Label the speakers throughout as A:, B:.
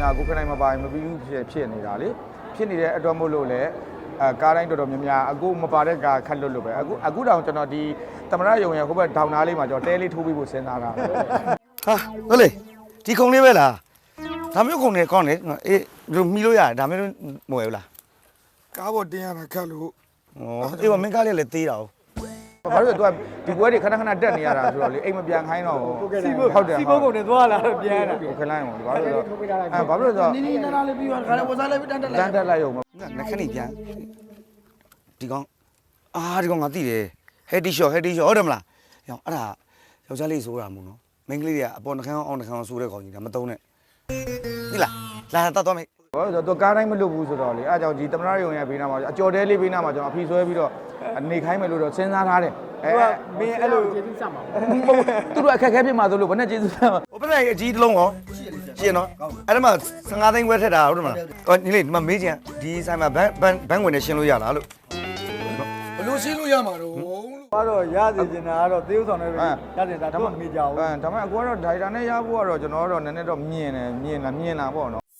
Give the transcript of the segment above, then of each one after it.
A: များကိုခဏမှပါမပြီးဖြစ်နေတာလေဖြစ်နေတဲ့အတွက်မို့လို့လေကားတိုင်းတော်တော်များများအခုမပါတဲ့ကားခက်လွတ်လို့ပဲအခုတောင်ကျွန်တော်ဒီသမရယုံရဟိုဘက်ဒေါင်နာလေးမှာကျွန်တော်တဲလေးထိုးပြီးဖို့စဉ်းစားတာ
B: ဟာဟုတ်လေဒီခုံလေးပဲလားဒါမျိုးခုံနေကောင်းလေအေးမီလို့ရတယ်ဒါမျိုးမဝယ်ဘူးလား
C: ကားပေါ်တင်ရတာခက်လို့
B: အေးမင်းကားလေးလည်းသေးတာ
A: ဘာလို့လဲ तू ဒီပွဲတွေခဏခဏတက်နေရတာဆိုတော့လေအိမ်မပြန်ခိုင်းတော့
D: ဟုတ်တယ်စီဘုတ်ကုန်နဲ့သွားလာတော့ပြန်တာ
A: ခလိုင်းအောင်ဘာလို့လဲဘာလို့လဲဆိုတော့
D: နီးနီးနားနားလေးပြီးတော့ခါလေးဝစားလိုက်ပြီးတန်းတက်
A: လိုက်ရုံ
B: ငါခဏပြန်ဒီကောင်ဒီကောင်ငါသိတယ်ဟက်တီရှော့ဟုတ်တယ်မလားရောအဲ့ဒါယောက်ျားလေးဆိုတာမို့နော်မိန်းကလေးတွေကအပေါ်နှခမ်းအောင်နှခမ်းအောင်ဆိုတဲ့ကောင်ကြီးဒါမသုံးနဲ့ဒီလားလာတတ်တော့မေ
A: ဘာလို့ဆိုတော့ तू ကားတိုင်းမလွတ်ဘူးဆိုတော့လေအားကြောင့်ဒီသမရယုံရဲ့ဘေးနားမှာအကျော်တဲလေးဘေးနားမှာကျွန်တော်အဖီဆွဲပြီးတော့နေခိုင်းမယ်လို့တော့စဉ်းစားထားတယ်
D: မင်းအဲ့လိုကျေးဇူးဆက်မှာ
A: သူတို့အခက်ခဲဖြစ်မှာဆိုလို့ဘယ်နဲ့ကျေးဇူးဆက်မှာ
B: ဟိုဘက်ကအကြီးတစ်လုံးရောရှင်းနော်အဲ့ဒါမှ15သိန်းခွဲထက်တာဟုတ်တယ်မလားညီလေးဒီမှာမေးချင်ဒီဆိုင်မှာဘန်းဝင်နဲ့ရှင်းလို့ရလားလို့
C: ဘလို့ရှင်းလို့ရမှာတော့
D: ကတော့ရစီနေတာကတော့သေဥဆောင်နဲ့ပဲရစီတာတော့မကြောက်ဘူး
A: ဒါပေမဲ့အကူကတော့ဒိုင်တာနဲ့ရဖို့ကတော့ကျွန်တော်တို့နည်းနည်းတော့မြင်လာပေါ့နော်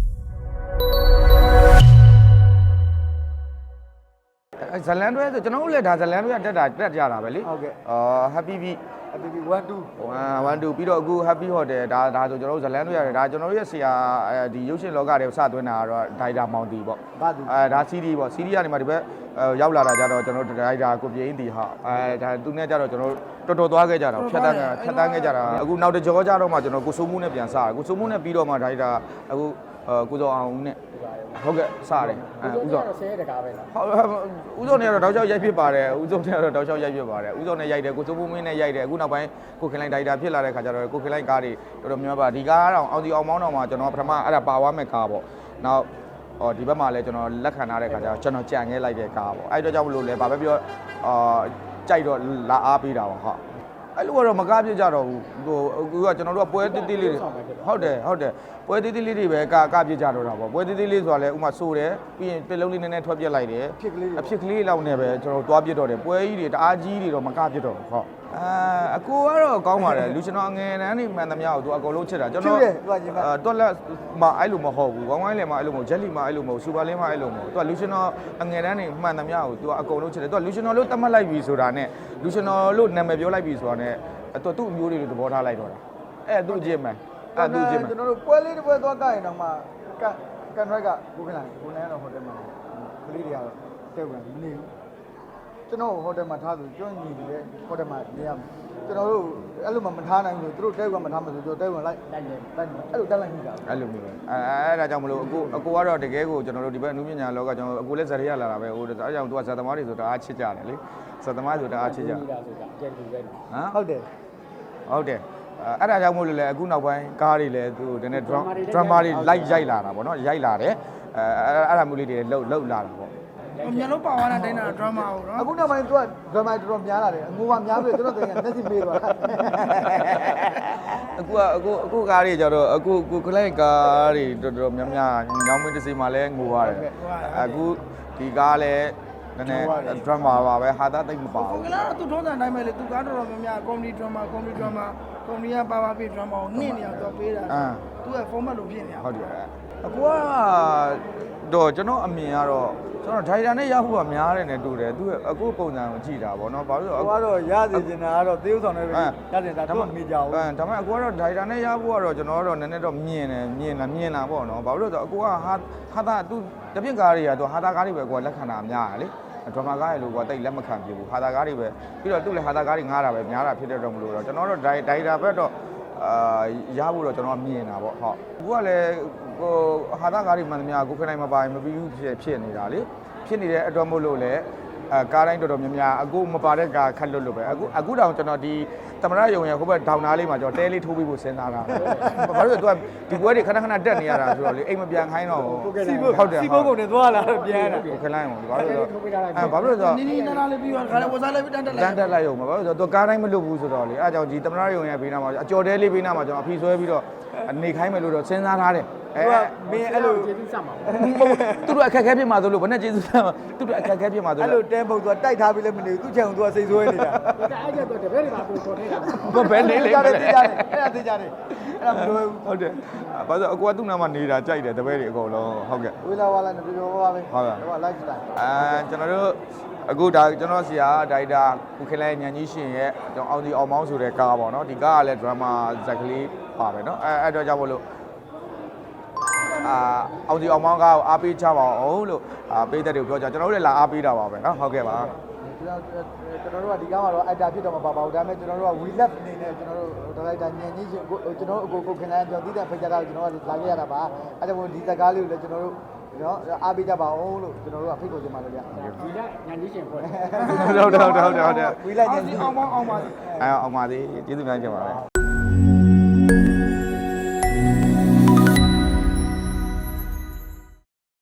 A: ဇလန်တွဲဆိုကျွန်တော်တို့လည်းဒါဇလန်တွဲတက်ကြတာပဲလေ
D: ဟုတ်ကဲ့
A: happy beat
D: 1 2
A: ပြီးတော့အခု happy hotel ဒါဆိုကျွန်တော်တို့ဇလန်တွဲရတယ်ဒါကျွန်တော်တို့ရဲ့ဆရာဒီရုပ်ရှင်လောကတွေစသွင်းတာကတော့ဒိုင်တာမောင်တီပေါ့ဒါ CD ပေါ့ CD ကနေမှဒီဘက်ရောက်လာတာကြတော့ကျွန်တော်တို့ဒိုင်တာကိုပြင်းတီဟာဒါသူနဲ့ကြတော့ကျွန်တော်တော်သွားခဲ့ကြတာဖြတ်တန်းခဲ့ကြတာအခုနောက်တစ်ကြောကြတော့မှကျွန်တော်ကိုစိုးမှုနဲ့ပြန်စားကိုစိုးမှုနဲ့ပြီးတော့မှဒိုင်တာအခုကိုစောအောင်နဲ့ဟုတ်ကဲ့စားတယ်
D: ဦးစောဆဲတကားပဲလား
A: ဟုတ်ဦးစောနဲ့ကတော့တောက်လျှောက်ရိုက်ဖြစ်ပါတယ်ဦးစောနဲ့ကတော့တောက်လျှောက်ရိုက်ဖြစ်ပါတယ်ဦးစောနဲ့ရိုက်တယ်ကိုစိုးမှုမင်းနဲ့ရိုက်တယ်အခုနောက်ပိုင်းကိုခင်လိုက်ဒိုင်တာဖြစ်လာတဲ့ခါကျတော့ကိုခင်လိုက်ကားတွေတော်တော်များပါဒီကားတော့အောင်စီအောင်မောင်းတော့မှကျွန်တော်ပထမအဲ့ဒါပါဝါမဲ့ကားပေါ့နောက်ဒီဘက်မှာလည်းကျွန်တော်လက်ခံထားတဲ့ခါကျတော့ကျွန်တော်ကြံခဲ့လိုက်တဲ့ကားပေါ့အဲ့တော့ကြောင့်မလို့လဲဘာပဲပြောကြိုက်တော့လာအားပေးတာပါဟုတ်အဲ့လိုကတော့မကားပြကြတော့ဘူးဟိုအခုကကျွန်တော်တို့ကပွဲတိတိလေးဟုတ်တယ်ပွဲတိတိလေးတွေပဲကားပြကြတော့တာပေါ့ပွဲတိတိလေးဆိုတာလဲဥမာဆိုတယ်ပြီးရင်တစ်လုံးလေးနည်းနည်းထွက်ပြက်လိုက်တယ်အဖြစ်ကလေးလောက်နဲ့ပဲကျွန်တော်သွားပြတော့တယ်ပွဲကြီးတွေတအားကြီးတွေတော့မကားပြတော့ဘူးဟုတ်အကိုကတော့ကောင်းပါတယ်လူကျွန်တော်အငယ်တန်းနေမှန်သမျှကိုသူအကုန်လုံးချစ်တာကျွန်တော်တွက်လက်မအဲ့လိုမဟုတ်ဘူးဝိုင်းဝိုင်းလည်းမအဲ့လိုမဟုတ်ဂျက်လီမအဲ့လိုမဟုတ်စူပါလင်းမအဲ့လိုမဟုတ်သူကလူကျွန်တော်အငယ်တန်းနေမှန်သမျှကိုသူကအကုန်လုံးချစ်တယ်သူကလူကျွန်တော်လို့တတ်မှတ်လိုက်ပြီဆိုတာနဲ့လူကျွန်တော်လို့နာမည်ပြောလိုက်ပြီဆိုတာနဲ့သူ့အမျိုးတွေသဘောထားလိုက်တော့တာအဲ့သူ့အချင်းမယ်
D: ကျွန်တော်တို့ပွဲလေးတစ်ပွဲသွားကြရင်တော့မှကန်ရွက်ကကိုခင်လာကိုနိုင်တော့ဟိုတယ်မှာကလေးတွေကတော့တက်ဝင်မနေဘူးကျွန်တော်ဟိုတယ်မှာထားသူကျွန်းညီတယ်ဟိုတယ်မှာနေရကျွန်တော်တို့အဲ့လိုမှမထားနိုင်ဘူးသူတို့တဲဝင်မထားမှဆိုကျွန်တော်တဲဝင်လိုက်အဲ့လိုတက်လိုက်မိတာ
A: အဲ့လိုမျိုးပဲအဲ့ဒါကြောင့်မလို့အကိုကတော့တကယ်ကိုကျွန်တော်တို့ဒီဘက်အနုပညာလောကကျွန်တော်အကိုလည်းဇာတ်ရလာတာပဲဟိုဒါကြောင့်သူကဇာတ်သမားတွေဆိုတာအားချစ်ကြတယ်လေဇာတ်သမားဆိုတာအားချစ်ကြ
D: ဆိုတာကျန်သူပဲ
A: ဟုတ်တယ်အဲ့ဒါကြောင့်မို့လို့လေအခုနောက်ပိုင်းကားတွေလည်းသူတနေ့ drama တွေလိုက်ရိုက်လာတာပေါ့နော်ရိုက်လာတယ်အဲ့ဒါမျိုးလေးတွေလှုပ်လာတာပေါ့
D: မြန်လို့ပါသွားတာတိုင်းတာ drama ကိုနော်အခုနောက်ပိုင်းသူက drama တော်တော်များလာတယ်အငိုးကများပြီကျွန်တော်တကယ်မျက်စိမေးသွားတာ
A: အခုကားတွေကြတော့အခုခလိုက်ကားတွေတော်တော်များများညောင်းမင်းတစ်စီမှာလဲငိုရတယ်အခုဒီကားလည်းနည်းနည်း drama ပါပဲဟာသားတိတ်မပါဘူး
D: ကလားသူထုံးစံတိုင်းပဲလေသူကားတော်တော်များများ comedy drama ကွန်ပဏီကပါပေး drama ကိုနှင့်နေအောင်သူပေးတာသူက format လို့ဖြစ်နေတာ
A: ဟုတ်တယ်အခုကတော့ကျွန်တော်အမြင်ကတော့ကျွန်တော်ဒိုင်တာနဲ့ရဖို့ကများတယ်နဲ့တူတယ်သူအခုပုံစံကိုကြည့်တာပေါ့နော်ဘာလို့လဲ
D: အခုကတော့ရစီနေတာကတော့သေဥဆောင်နဲ့ပဲရစီတာတော့မကြဘူး
A: ဒါပေမဲ့အခုကတော့ဒိုင်တာနဲ့ရဖို့ကတော့ကျွန်တော်ကတော့နည်းနည်းတော့မြင်လာပေါ့နော်ဘာလို့လဲဆိုတော့အခုကဟာတာသူတပြင့်ကားတွေကသူဟာတာကားတွေပဲကိုကလက်ခံတာများတယ်လေဒရမာကားရလို့ကတိတ်လက်မခံပြဘူးဟာတာကားတွေပဲပြီးတော့သူ့လည်းဟာတာကားတွေငားတာပဲများတာဖြစ်တဲ့တော့မလို့တော့ကျွန်တော်တို့ဒိုင်တာဘက်တော့ရဖို့တော့ကျွန်တော်မြင်တာပေါ့ဟုတ်အခုကလည်းဟိုဟာတာကားတွေမှန်သမျှကိုခဏမှပါမပြီးဖြစ်နေတာလေဖြစ်နေတဲ့အတွက်မို့လို့လေကားတိုင်းတော်တော်များများအခုမပါတဲ့ကားခက်လွတ်လို့ပဲအခုတောင်ကျွန်တော်ဒီသမရယုံရဟိုဘက်ဒေါင်နာလေးမှာကျွန်တော်တဲလေးထိုးပြီးဖို့စဉ်းစားတာဘာလို့လဲ तू ဒီပွဲတွေခဏတက်နေရတာဆိုတော့လေအိမ်မပြန်ခိုင်းတော့
D: ဟုတ်တယ်စီဘုတ်ကုန်နဲ့သွားလာတော့ပြန်တာ
A: ခလိုင်းအောင်ဘာလို့လဲဘာလို့လဲဆိုတော့
D: နီးနီးနားနားလေးပြီးတော့ခါလေးဝစားလိုက်ပြီးတန်းတက်
A: လိုက်ရုံပဲဘာလို့လဲဆိုတော့ तू ကားတိုင်းမလွတ်ဘူးဆိုတော့လေအဲအကြောင်းဒီသမရယုံရဘေးနားမှာအကျော်တဲလေးဘေးနားမှာကျွန်တော်အဖီဆွဲပြီးတော့နေခိုင်းမယ်လို့တော့စဉ်းစားထားတယ်
D: မင်းအဲ့လို
E: ကျေးဇူးဆက်ပါဘူး
A: သူတို့အခက်အခဲဖြစ်မှာဆိုလို့ဘယ်နဲ့ကျေးဇူးဆက်မှာသူတို့အခက်အခဲဖြစ်မှာဆို
D: အဲ့
A: လို့
D: လိုတဲပုတ်သူကတိုက်ထားပြီးလည်းမနေဘူးသူ့ချောင်သူကစိတ်ဆိုးနေတာ
E: ဒါအဲ့ကျတော့တပည့်တွေပါပို့ခေါ်နေတာ
A: ဘယ်နေလဲ
D: ကြတယ်သိကြတယ်အဲ့ဒါသိကြတယ်အဲ့ဒါမလိုဘူး
A: ဟုတ်တယ်ဘာလို့အကူကသူ့နာမှာနေတာကြိုက်တယ်တပည့်တွေအကုန်လုံးဟုတ်ကဲ့
D: ဝေးလာဝါလာနဲ့ပြောပါပဲ
A: ဟုတ်ကဲ့
D: ဟိုက live style
A: ကျွန်တော်တို့အခုဒါကျွန်တော်ဆရာဒါရိုက်တာကုခင်လိုက်ညန်ကြီးရှင်ရဲ့ကျွန်တော်အောင်ဒီအောင်မောင်းဆိုတဲ့ကားပေါ့နော်ဒီကားကလည်း drama ဇက်ကလေးပါပဲနော်အဲ့တော့ကြောင့်မို့လို့အောင်ဒီအောင်မောင်းကားကိုအားပေးချပါအောင်လို့ပေးတဲ့တွေကိုပြောကြကျွန်တော်တို့လည်းလာအားပေးတာပါပဲနော်ဟုတ်ကဲ့ပါ
D: ကျွန်တော်တို့ကဒီကားမှာတော့ actor ဖြစ်တော့မှာပါပါဘူးဒါပေမဲ့ကျွန်တော်တို့က we love အနေနဲ့ကျွန်တော်တို့ဒါရိုက်တာညင်ကြီးရှင်ကျွန်တော်တို့အကိုခင်လိုက်ကျွန်တော်တိတဲ့ဖိတ်ကြတာကျွန်တော်ကလာခဲ့ရတာပါအဲ့ဒါမို့ဒီဇာတ်ကားလေးကိုလည်းကျွန်တော်တို့နော်အားပေးကြပါအောင်လို့ကျွန်တော်တို့ကဖိတ်ခေါ်ချင်ပါတယ်ဗျာ
E: ဒီကညာကြီးရှင်ဖွဲ့
A: ဟုတ်တယ်
D: we like ညင်ကြီး
E: အောင်ပါအောင်ပါ
A: အောင်ပါသေးကျေးဇူးများတင်ပါတယ်